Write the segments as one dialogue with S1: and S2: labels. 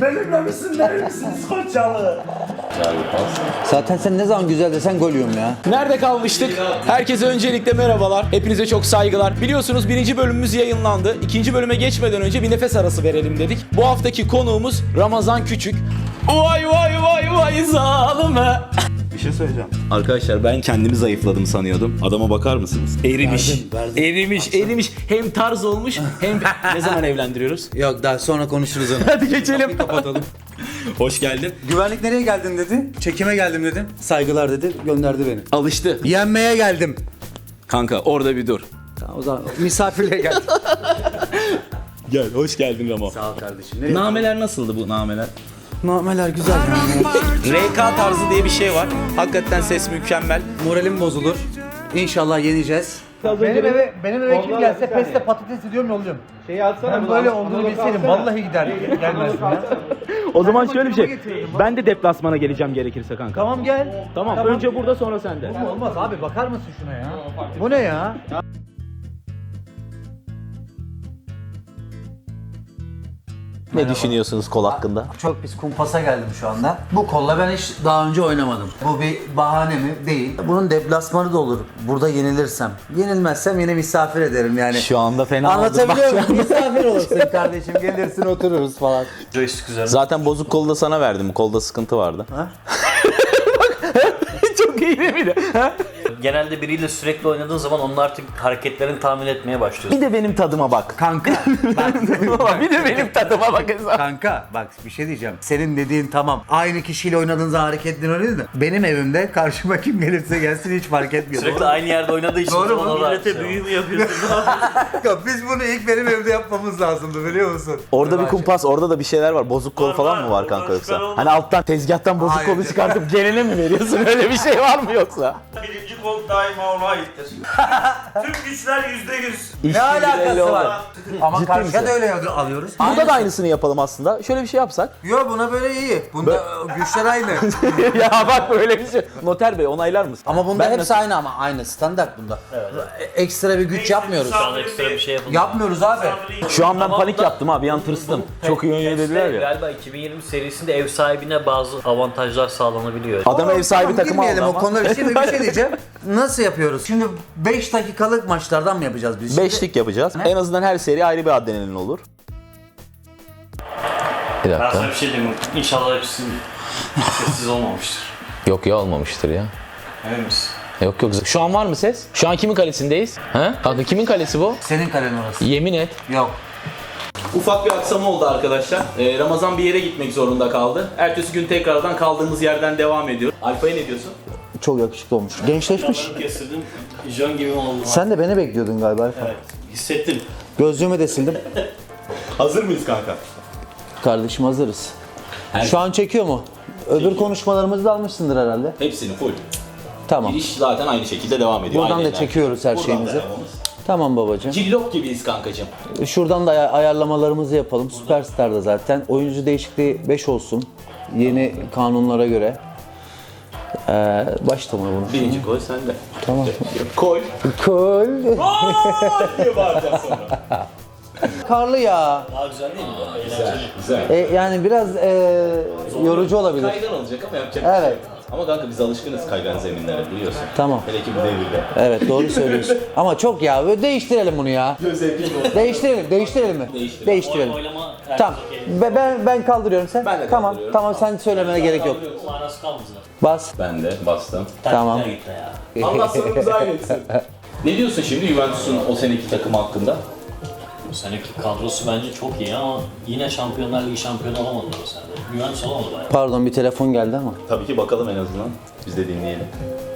S1: Benimle misin değil misiniz Koçyalı?
S2: Zaten sen ne zaman güzel desen gol yiyorum ya.
S3: Nerede kalmıştık? Herkese öncelikle merhabalar. Hepinize çok saygılar. Biliyorsunuz birinci bölümümüz yayınlandı. İkinci bölüme geçmeden önce bir nefes arası verelim dedik. Bu haftaki konuğumuz Ramazan Küçük. Vay vay vay vay zalime.
S1: Bir şey söyleyeceğim.
S3: Arkadaşlar ben kendimi zayıfladım sanıyordum. Adama bakar mısınız? Erimiş. Erimiş. Hem tarz olmuş hem... Ne zaman evlendiriyoruz?
S2: Yok daha sonra konuşuruz onu.
S3: Hadi geçelim.
S2: Bir kapatalım.
S3: Hoş geldin.
S2: Güvenlik nereye geldin dedi. Çekime geldim dedim. Saygılar dedi. Gönderdi beni.
S3: Alıştı.
S2: Yenmeye geldim.
S3: Kanka orada bir dur.
S2: Tamam, o zaman misafirliğe geldim.
S3: Gel, hoş geldin Ramo.
S2: Sağ ol kardeşim.
S3: Nameler nasıldı bu nameler?
S2: Nameler güzel.
S3: RK tarzı diye bir şey var. Hakikaten ses mükemmel.
S2: Moralim bozulur. İnşallah yeneceğiz.
S4: Benim eve kim gelse peste patates ediyorum yolluyorum.
S5: Şeyi atsana.
S4: Ben böyle olduğunu bilseydim vallahi gider gelmezdim ya.
S5: O zaman şöyle bir şey. Ben de deplasmana geleceğim gerekirse kanka.
S4: Tamam gel.
S5: Tamam. Önce burada sonra sende.
S4: Olmaz abi bakar mısın şuna ya? Bu ne ya?
S3: Ne düşünüyorsunuz kol hakkında?
S2: Çok pis kumpasa geldim şu anda. Bu kolla ben hiç daha önce oynamadım. Bu bir bahane mi? Değil. Bunun deplasmanı da olur. Burada yenilirsem. Yenilmezsem yine misafir ederim yani.
S3: Şu anda fena
S2: Anlatabiliyor muyum? Misafir olursun kardeşim. Gelirsin otururuz falan.
S3: Zaten bozuk kolu da sana verdim. Kolda sıkıntı vardı.
S5: Çok iyi değil miydi?
S6: Genelde biriyle sürekli oynadığın zaman onun artık hareketlerini tahmin etmeye başlıyorsun.
S3: Bir de benim tadıma bak.
S2: Kanka.
S3: Bir de benim tadıma bak.
S2: Kanka bak bir şey diyeceğim. Senin dediğin tamam. Aynı kişiyle oynadığın zaman hareketlerin öyle de. Benim evimde karşıma kim gelirse gelsin hiç fark etmiyor.
S6: Sürekli aynı yerde oynadığı için
S2: Doğru mu?
S6: ona da
S1: Millete büyü mü yapıyorsun?
S2: Kanka, biz bunu ilk benim evde yapmamız lazımdı biliyor musun?
S3: Orada bir kumpas, orada da bir şeyler var. Bozuk kol falan mı var kanka yoksa? Hani alttan tezgahtan bozuk
S2: Hayır.
S3: kolu çıkartıp gelene mi veriyorsun? Öyle bir şey var mı yoksa?
S1: Birinci kol daima ona aittir. Tüm güçler %100.
S2: Ne alakası
S3: oldu.
S2: var? Ama
S3: Ciddi
S2: karşıya
S3: misin?
S2: da öyle alıyoruz.
S3: Burada da aynısını yapalım aslında. Şöyle bir şey yapsak.
S2: Yo buna böyle iyi. Bunda güçler aynı.
S3: Ya bak böyle bir şey. Noter bey onaylar mısın?
S2: Ama bunda
S3: Ben
S2: hepsi aynı ama aynı standart bunda. Ekstra bir güç yapmıyoruz.
S6: Sana ekstra bir şey yapılıyor.
S2: Yapmıyoruz abi.
S3: Şu an ben
S6: Ama
S3: panik
S6: da-
S3: yaptım ha, bir an tırstım. Çok iyi oynuyor dediler ya.
S6: Galiba 2020 serisinde ev sahibine bazı avantajlar sağlanabiliyor.
S3: Adam ev sahibi
S2: Tamam,
S3: takımı aldı
S2: girmeyelim
S3: ama.
S2: o konuda şimdi bir şey diyeceğim. Nasıl yapıyoruz? Şimdi 5 dakikalık maçlardan mı yapacağız biz? Şimdi?
S3: Beşlik yapacağız. En azından her seri ayrı bir adrenalin olur. Bir
S6: Ben
S3: dakika.
S6: sana bir şey diyeyim mi? İnşallah hepsi sessiz olmamıştır.
S3: Yok ya olmamıştır ya.
S6: Emin misin?
S3: Yok. Şu an var mı ses? Şu an kimin kalesindeyiz? Ha? Kanka kimin kalesi bu?
S2: Senin kalen orası.
S3: Yemin et.
S2: Yok.
S3: Ufak bir aksama oldu arkadaşlar. Ramazan bir yere gitmek zorunda kaldı. Ertesi gün tekrardan kaldığımız yerden devam ediyor. Alfa'ya ne diyorsun?
S2: Çok yakışıklı olmuş. Gençleşmiş.
S6: Kestirdim. Jön gibi oldu.
S2: Sen de beni bekliyordun galiba Alfa.
S6: Evet. Hissettim.
S2: Gözlüğümü de sildim.
S3: Hazır mıyız kanka?
S2: Kardeşim hazırız. Şu an çekiyor mu? Öbür konuşmalarımızı da almışsındır herhalde.
S3: Hepsini full.
S2: Tamam.
S3: Giriş zaten aynı şekilde devam ediyor.
S2: Buradan
S3: Aynı
S2: da
S3: enerji.
S2: çekiyoruz her
S3: Buradan
S2: şeyimizi.
S3: da devamız.
S2: Tamam babacığım.
S3: Cillop gibiyiz kankacığım.
S2: Şuradan da ayarlamalarımızı yapalım. Süperstar'da zaten. Oyuncu değişikliği 5 olsun. Yeni kanunlara göre. Başlama bunu.
S3: Birinci gol sende.
S2: Tamam.
S3: Gol.
S2: Kol.
S3: diye bağıracağız sonra.
S2: Karlı ya.
S6: Daha güzel değil mi?
S3: Güzel.
S2: Yani biraz yorucu olabilir.
S3: Kaygan olacak ama yapacak bir şey
S2: Evet.
S3: yok. Ama kanka biz alışkınız kaygan zeminlere biliyorsun.
S2: Tamam.
S3: Hele ki bu devirde.
S2: Evet doğru söylüyorsun. Ama çok ya. Böyle değiştirelim bunu ya. Değiştirelim mi? Değiştirelim.
S6: Oylama
S2: Tamam. Ben kaldırıyorum sen.
S3: Ben de
S2: Tamam.
S3: kaldırıyorum.
S2: Tamam sen söylemene gerek yok.
S6: manası kalmadı.
S2: Bas.
S3: Ben de bastım.
S2: Tamam.
S6: Taktikler gitti ya.
S3: Allah sonumuzu ayretsin. Ne diyorsun şimdi Juventus'un o seneki takımı hakkında?
S6: Bu seneki kadrosu bence çok iyi ama yine Şampiyonlar Ligi şampiyonu olamadılar o sene. Juventus olamadı bayağı.
S2: Pardon bir telefon geldi ama.
S3: Tabii ki bakalım en azından. Biz de dinleyelim.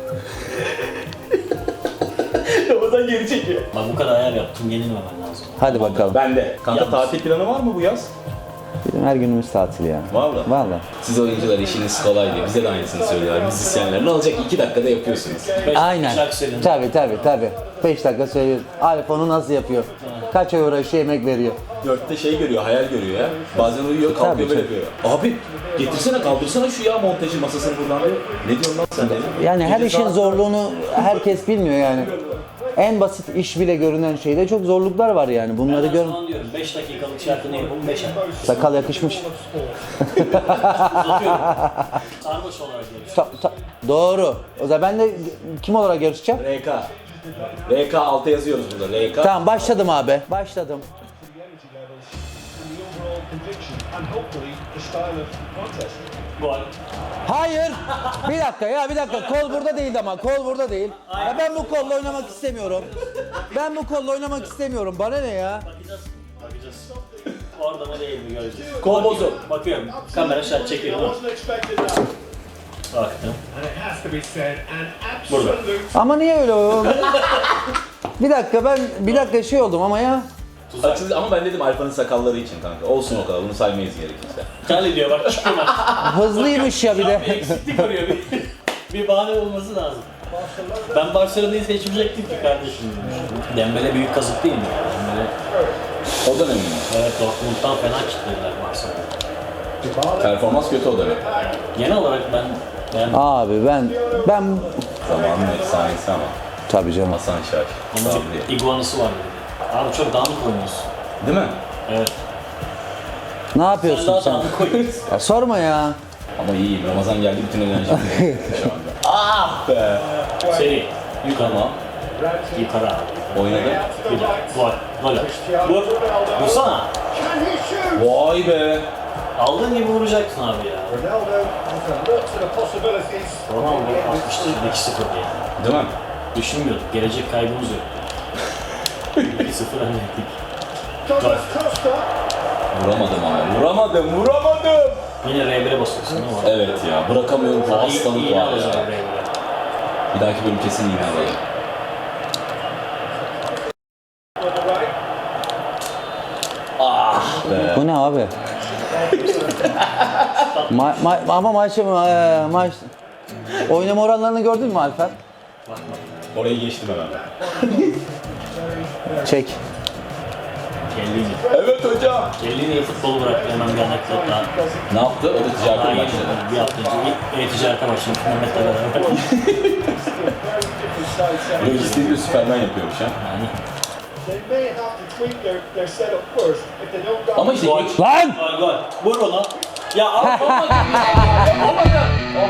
S3: Ramazan geri çekiyor.
S6: Bak bu kadar ayar yaptım yenilmemen lazım.
S2: Hadi bakalım.
S3: Ben de. Kanka
S6: Yalnız.
S3: tatil planı var mı bu yaz?
S2: Bizim her günümüz tatil ya.
S3: Vallahi.
S2: Vallahi.
S3: Siz oyuncular işiniz kolay diye bize de aynısını söylüyorlar müzisyenler. Ne olacak 2 dakikada yapıyorsunuz.
S2: Aynen.
S6: şarkı söyledim.
S2: Tabii. 5 dakika söylüyoruz. Alfon'u nasıl yapıyor? Kaç ay uğraşıyor, emek veriyor.
S3: 4'te şey görüyor, hayal görüyor ya. Bazen uyuyor, kalkıyor
S2: Tabii,
S3: böyle
S2: tabii.
S3: yapıyor. Abi getirsene kaldırsana şu ya montajı masasını buradan diyor. Ne diyorsun lan sen dedim.
S2: Yani her işin zorluğunu herkes bilmiyor yani. En basit iş bile görünen şeyde çok zorluklar var yani. Bunları
S6: Ben
S2: gör.
S6: sana diyorum 5 dakikalık şarkını yapalım 5 ay.
S2: Sakal yakışmış.
S6: Uzatıyorum. Sarhoş olarak yarışıyor.
S2: Doğru. O zaman ben de kim olarak yarışacağım?
S3: RK. RK alta yazıyoruz burada. RK.
S2: Tamam başladım abi. Başladım.
S6: Gol.
S2: Hayır. Bir dakika ya bir dakika. Kol burada değil ama. Kol burada değil. Ya ben bu kolla oynamak istemiyorum. Ben bu kolla oynamak istemiyorum. Bana ne ya?
S6: Bakacağız. Bakacağız. Orada mı değil mi göreceğiz.
S3: Kol bozuk.
S6: Bakıyorum. Kamera şart çekiyor mu? Baktım. Burada.
S2: Ama niye öyle oldu? Bir dakika şey oldum ama ya.
S3: Ama ben dedim Alfa'nın sakalları için kanka. Olsun o kadar. Bunu saymayız gerekirse.
S6: Kale diyor bak çıkıyorlar.
S2: Hızlıymış ya bir
S6: Bir
S2: de.
S6: eksiklik arıyor. Bir bahane olması lazım. Ben Barcelona'yı seçmeyecektim ki kardeşim. Dembele büyük kazık değil mi? Dembele,
S3: O dönem mi?
S6: evet Dortmund'dan fena kitlediler Barcelona'yı.
S3: Performans kötü o dönem.
S6: Genel olarak ben
S2: Abi ben
S3: Zamanın efsanesi ama.
S2: tabii canım.
S3: Hasan Şaş.
S6: onun
S3: Sabri.
S6: bir iguanası var dedi. Abi çok dağınık oynuyorsun.
S3: Değil mi?
S6: Evet.
S2: Ne
S6: Sen
S2: yapıyorsun
S6: daha
S2: sen?
S6: dağınık oynuyorsun.
S2: Ya sorma ya.
S3: Ama iyiyim. Ramazan geldi bütün enerjim şu anda. Ah be.
S6: Seri. Yukarı.
S3: Tamam.
S6: Yukarı abi.
S3: Oynadı.
S6: Bir daha. Gol. Gol. Vur. Vursana.
S3: Vay be.
S6: Aldığın gibi vuracaksın abi ya. Ronaldo 62-0 diye.
S3: Değil mi?
S6: Düşünmüyorduk. Gelecek kaybımız yok. 2-0 önledik. Gol.
S3: Vuramadım abi. Vuramadım.
S6: Yine R1'e basıyorsun değil mi?
S3: Evet ya. Bırakamıyorum. Bu hastalık
S6: İyi
S3: var
S6: alacağım
S3: ya.
S6: R1'e.
S3: Bir dahaki bölüm kesin yine alalım. Ah be.
S2: Bu ne abi? Ama maç oynama oranlarını gördün mü Alper?
S3: Orayı geçtim hemen.
S2: Çek.
S6: Kellini.
S3: Evet hocam.
S6: Kellini futbolu bıraktı hemen bir anekdot daha.
S3: Ne yaptı? O da
S6: Daha
S3: ticarete
S6: yeni
S3: başladı.
S6: bir hafta önce e-ticarete başlamış Mehmet'le beraber.
S3: Lojistiği bir Süperman yapıyormuş ha.
S6: Yani.
S3: Ama işte
S6: Gol.
S2: Lan!
S6: Gol gol. Vur onu. Ya al olmadı. Olmadı.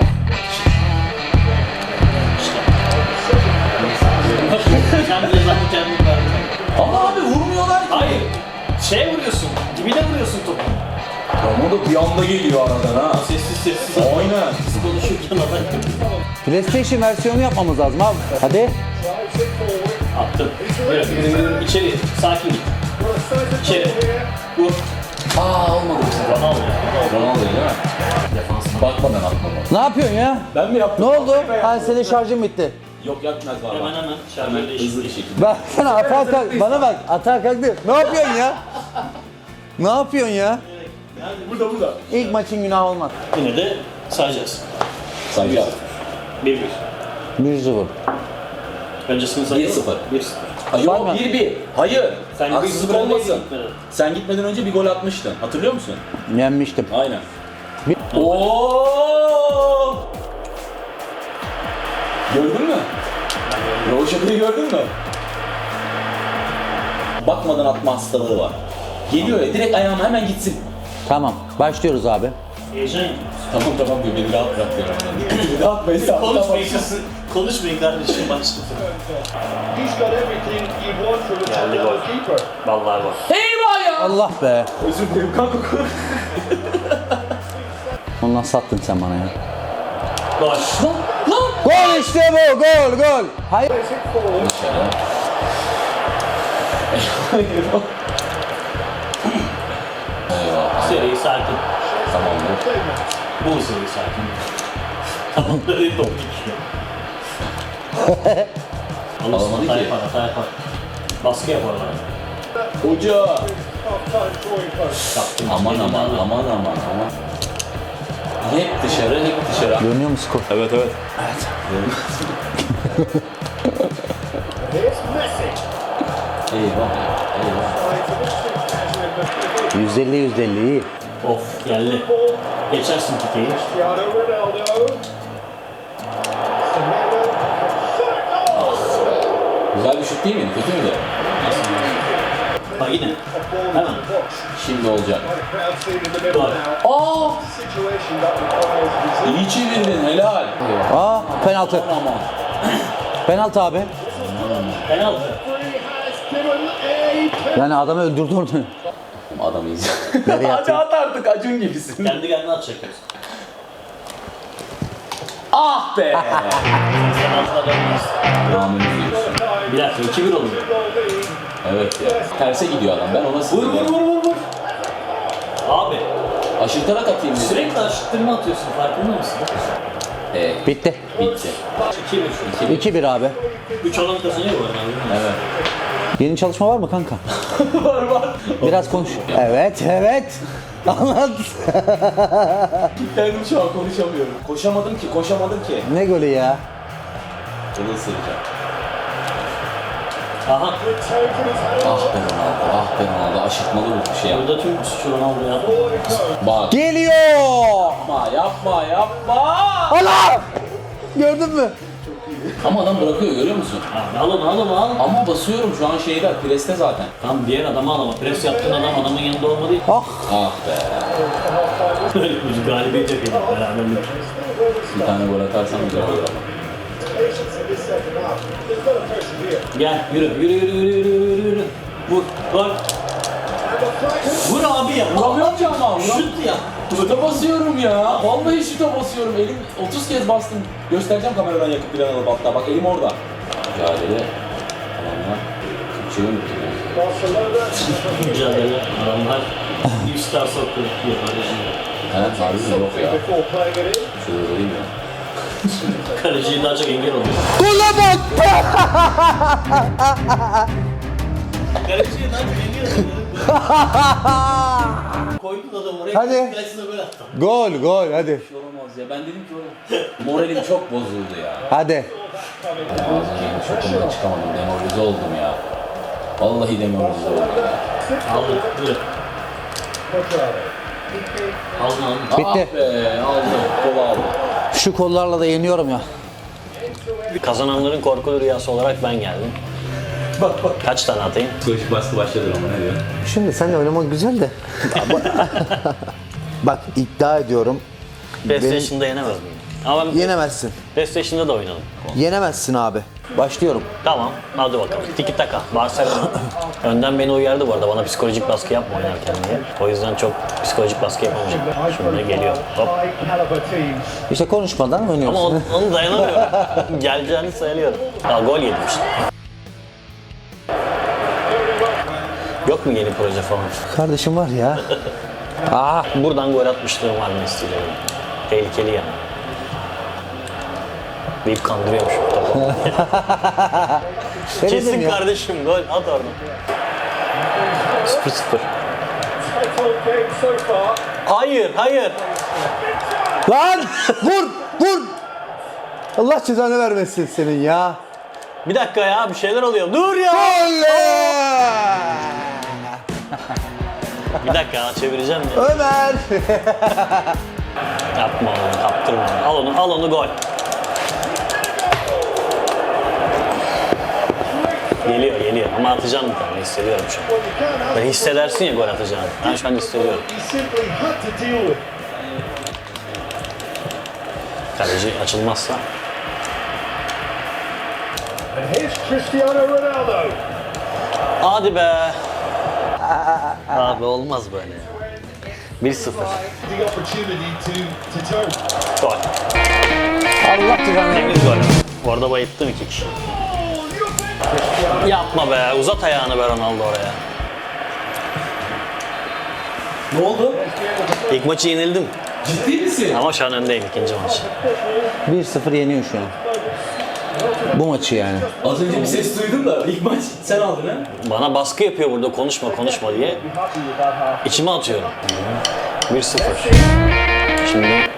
S6: Kendi cezanı kendin verdin.
S3: ama abi vurmuyorlar ki.
S6: Hayır. Şey vuruyorsun. Dibine vuruyorsun topu.
S3: Ama da bir anda geliyor aradan ha.
S6: Sessiz sessiz.
S3: Aynen.
S6: Siz konuşurken adam
S2: PlayStation versiyonu yapmamız lazım abi. Hadi.
S6: attım. Evet. İçeri. Sakin git. İçeri. Vur.
S3: Aa olmadı bu sefer.
S6: Ronaldo.
S3: Ronaldo değil mi?
S6: Defansına.
S3: Bakmadan atmadı.
S2: Ne yapıyorsun ya?
S3: Ben mi yaptım?
S2: Ne oldu? Ha senin şarjın bitti.
S3: Yok yapmaz var.
S6: Hemen
S3: Hemen
S6: şarjörü
S3: hızlı bir
S6: değiştir.
S3: şekilde.
S2: Bak sana atağa kalk. Bana bak atağa kalktı. Ne yapıyorsun ya? Ne yapıyorsun ya?
S3: Burada.
S2: İlk maçın günahı olmaz.
S6: Yine de sayacağız.
S3: Sayacağız.
S6: 1-1.
S2: 1-0.
S6: Öncesini sayalım.
S3: 1-0.
S6: 1-0.
S3: Hayır
S2: Var mı?
S3: 1-1. Hayır.
S6: Sen
S3: Haksızlık
S6: 1-0
S3: olmasın.
S6: gitmedin.
S3: Sen gitmeden önce bir gol atmıştın. Hatırlıyor musun?
S2: Yenmiştim.
S3: Aynen.
S2: Bir-
S3: Oo! Gördün mü? Roşaka'yı gördün mü? Bakmadan atma hastalığı var. Geliyor ya direkt ayağıma hemen gitsin.
S2: Tamam. Başlıyoruz abi.
S6: Heyecan yapıyorsun.
S3: Tamam diyor beni rahat bırak diyor. Beni rahat bırak.
S6: Konuşmayın kızım. Konuşmayın kardeşim başladı. Geldi gol. Vallahi gol.
S2: Allah be.
S3: Özür dilerim kanka.
S2: Ondan sattın sen bana ya.
S6: Gol.
S2: Gol işte bu. Gol. Hayır.
S3: Eyvah.
S6: Seri sakin.
S3: Tamamdır.
S6: Bu seri sakin. Tamam böyle top geçiyor. Alırsın
S3: Alamadı
S6: hata
S3: ki.
S6: yapar hata yapar. Baskı yaparlar.
S3: Hoca.
S6: Kaptım.
S3: Aman. Hep dışarı.
S2: Görünüyor mu skor?
S3: Evet. Eyvah.
S2: 150 iyi.
S6: Of geldi. Geçersin Tite'yi.
S3: Güzel bir şut değil miydi? Kötü müydü?
S6: Bak yine. Hemen.
S3: Şimdi olacak.
S6: Gol.
S3: Aa! İyi çevirdin, helal.
S2: Aa penaltı.
S3: Aman.
S2: Penaltı abi.
S6: Penaltı.
S2: Yani adamı öldürdü onu.
S3: Adam iyiyiz.
S2: Nereye
S3: Hadi
S2: attın?
S3: at artık, Acun gibisin.
S6: Kendi kendine atacak.
S3: Ah be!
S6: Penaltıda dönmez.
S3: Rahmet ediyorsun.
S6: Bir dakika 2-1 oluyor.
S3: Evet ya. Terse gidiyor adam, ben ona
S6: Vur
S3: sinirliyim.
S6: vur vur vur vur. Abi
S3: Aşırtarak atayım dedim.
S6: sürekli aşıttırma atıyorsun farkında mısın?
S2: Bitti.
S3: Bitti.
S6: 2-1.
S2: 2-1 abi.
S6: 3 olan kazanıyor bu arada.
S3: Evet.
S2: Yeni çalışma var mı kanka?
S3: var.
S2: Biraz konuş. Evet, evet. Anlat.
S3: Kendim şu an konuşamıyorum. Koşamadım ki.
S2: Ne golü ya?
S3: Bunu ısıracağım.
S6: Aha.
S3: Ah be Ronaldo. Aşırtmalı bir şey yaptı.
S6: Burada tüm suçu Ronaldo yaptı.
S3: Bak.
S2: Geliyor.
S3: Yapma.
S2: Allah! Gördün mü?
S3: Ama adam bırakıyor, görüyor musun?
S6: Abi al onu al.
S3: Ama basıyorum şu an şeyde, preste zaten.
S6: Tam diğer adamı al ama pres yaptığın adam adamın yanında olmadı.
S2: Ah.
S3: Ah be.
S6: Böyle bir galibiyet yok yani beraberlik.
S3: Bir tane gol atarsam güzel olur ama.
S6: Gel yürü. Vur. Gol. Vur abi ya.
S3: Vuramıyorum ki ama.
S6: Şut ya.
S3: Şuta basıyorum ya. Vallahi şuta basıyorum. Elim 30 kez bastım. Göstereceğim kameradan yakıp bir alıp hatta. Bak elim orada. Mücadele. Adamlar. Türkçeyi unuttum ya.
S6: Mücadele. Adamlar 100 star soktu. Yapar
S3: Evet, harbi yok ya. Şurada değil mi?
S6: Kaleciyi daha çok engel oluyor.
S2: Gola bak!
S6: Kaleciyi daha çok engel oluyor. Koydun adamı oraya.
S2: Hadi.
S6: Kalesine gol attı.
S2: Gol hadi.
S3: Bir şey olamaz ya. Ben dedim ki oğlum. Moralim çok bozuldu ya.
S2: Hadi.
S3: Ağzına yeni şokumdan çıkamadım. Demoralize oldum ya. Vallahi demoralize oldum ya.
S6: Aldı. Yürü. Aldın.
S2: Bitti.
S3: Ah be, aldım. Kolu aldım.
S2: Şu kollarla da yeniyorum ya.
S6: Kazananların korkulu rüyası olarak ben geldim. Bak. Kaç tane atayım?
S3: Psikolojik baskı başladı ama ne diyor?
S2: Şimdi seninle oynamak güzel de. Bak iddia ediyorum.
S6: PlayStation'da yenemez miyim? Ama ben
S2: Yenemezsin.
S6: PlayStation'da da oynadım.
S2: Yenemezsin abi. Başlıyorum.
S6: Tamam, hadi bakalım. Tiki taka, Barcelona. Önden beni uyardı bu arada, bana psikolojik baskı yapma oynarken diye. O yüzden çok psikolojik baskı yapamayacağım. Şimdi geliyor, hop.
S2: İşte konuşmadan
S6: Ama
S2: oynuyorsun.
S6: onu dayanamıyorum. Geleceğini sayılıyorum. Ya gol yedim işte. Yok mu yeni proje falan?
S2: Kardeşim var ya. Aa,
S6: Buradan gol atmışlığım var Messi'yle. Tehlikeli yani. Deyip kandırıyormuş topu.
S2: denedim
S6: Kesin
S2: ya.
S6: kardeşim gol at oradan. 0-0. Hayır.
S2: Lan vur. Allah cezanı vermesin senin ya.
S6: Bir dakika ya, bir şeyler oluyor. Dur ya. Bir dakika ya, çevireceğim ya.
S2: Ömer.
S6: Yapma onu, kaptırma onu. Al onu gol. Geliyor ama atacağım bir tane, hissediyorum şu an. Böyle hissedersin ya gol atacağını. Ben şu an hissediyorum. Kaleci açılmazsa. Hadi be. Abi olmaz böyle ya. 1-0. Gol.
S2: Allah cezanı vermesin.
S6: Temiz gol. Orada bayılttım 2 kişi. Yapma be. Uzat ayağını be Ronaldo oraya.
S3: Ne oldu?
S6: İlk maçı yenildim.
S3: Ciddi misin?
S6: Ama şu an öndeyim ikinci maçı.
S2: 1-0 yeniyor şu an. Bu maçı yani.
S3: Az önce bir ses duydum da ilk maç sen aldın ha?
S6: Bana baskı yapıyor burada konuşma diye. İçime atıyorum. 1-0. Şimdi...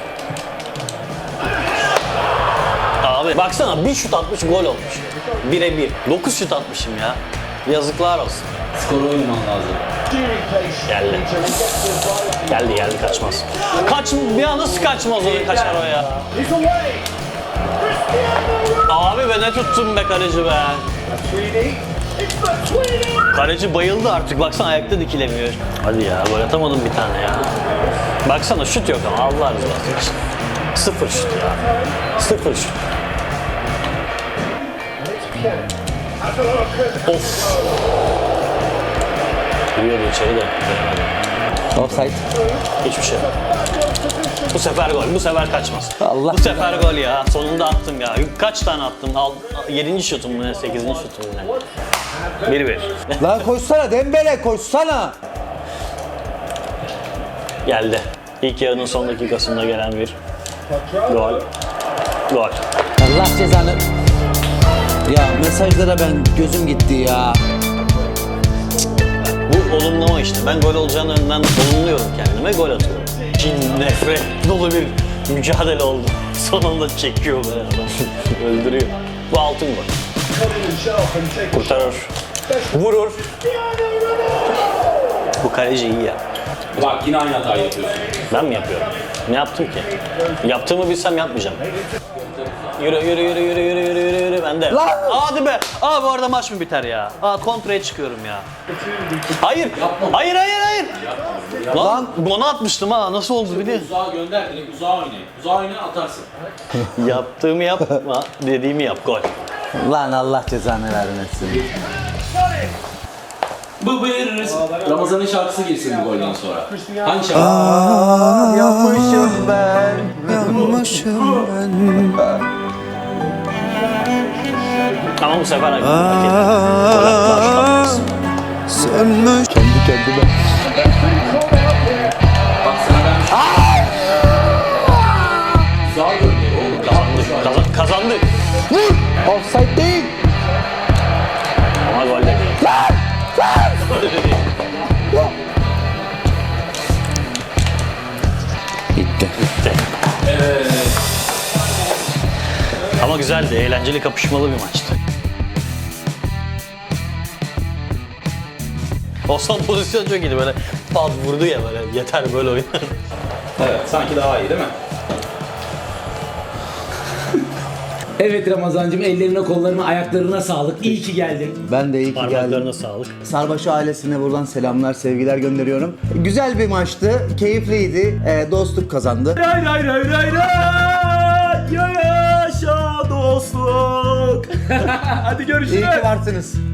S6: Abi baksana bir şut atmış gol olmuş. 1'e 1. 9 şut atmışım ya. Yazıklar olsun.
S3: Skoru oynaman lazım.
S6: Geldi kaçmaz. Bir an nasıl kaçmaz o kaçar o ya. Abi be ne tuttum be kaleci be. Kaleci bayıldı artık. Baksana ayakta dikilemiyor. Hadi ya gol atamadım bir tane ya. Baksana şut yok ama Allah razı olsun. Sıfır şut ya. Sıfır şut. Of. Giriyordu içeri de.
S2: Offside.
S6: Hiçbir şey. Bu sefer gol. Bu sefer kaçmaz.
S2: Allah
S6: Bu sefer gol ya. Sonunda attım ya. Kaç tane attım? 7. şutum mu ne? 8. şutum mu ne? 1-1.
S2: Lan koşsana Dembele koşsana.
S6: Geldi. İlk yarının son dakikasında gelen bir gol. Gol.
S2: Allah cezanı. Ya mesajlara ben gözüm gitti ya.
S6: Bu olumlama işte. Ben gol olacağını önden olumluyorum kendime. Gol atıyorum. Kin, nefret dolu bir mücadele oldu. Sonunda çekiyor böyle adam. Öldürüyor. Bu altın gol. Kurtarır. Vurur. Bu kaleci iyi ya.
S3: Bak yine aynı hatayı yapıyorsun.
S6: Ben mi yapıyorum? Ne yaptım ki? Yaptığımı bilsem yapmayacağım. Yürü yürü yürü yürü yürü yürü yürü yürü ben de.
S2: Lan!
S6: Hadi be. Aa bu arada maç mı biter ya? Aa kontraya çıkıyorum ya. Hayır. Hayır hayır hayır. Lan gol atmıştım ha. Nasıl oldu biliyor musun?
S3: Uzağa gönder, direkt uzağa oynayın. Uzağa oynayın atarsın.
S6: Yaptığımı yapma, dediğimi yap gol.
S2: Lan Allah cezanı vermesin.
S3: Bu bir Ramazan'ın şarkısı girsin bu golden sonra. Hangi şarkı?
S2: Yanmışım ben. Yanmışım ben.
S6: Ama bu sefer hak ettim. Gol attılar, şu
S2: Sönmüş. Kendi kendime.
S3: Bak sana ben... Uzağa gönder oğlum.
S6: Kazandık. Kazandık.
S2: Offside değil.
S6: Ama gol de değil.
S2: Bitti.
S6: Ama güzeldi, eğlenceli, kapışmalı bir maçtı. O son pozisyon çok iyiydi böyle pat vurdu ya böyle yeter böyle oynar.
S3: Evet, sanki daha iyi değil mi? Evet Ramazancığım, ellerine, kollarına, ayaklarına sağlık. İyi ki geldin.
S2: Ben de iyi ki geldim.
S6: Parmaklarına sağlık.
S2: Sarbaşı ailesine buradan selamlar, sevgiler gönderiyorum. Güzel bir maçtı, keyifliydi. Dostluk kazandı.
S3: Ray ray ray ray ray. Yaşa dostluk. Hadi görüşürüz.
S2: İyi ki varsınız.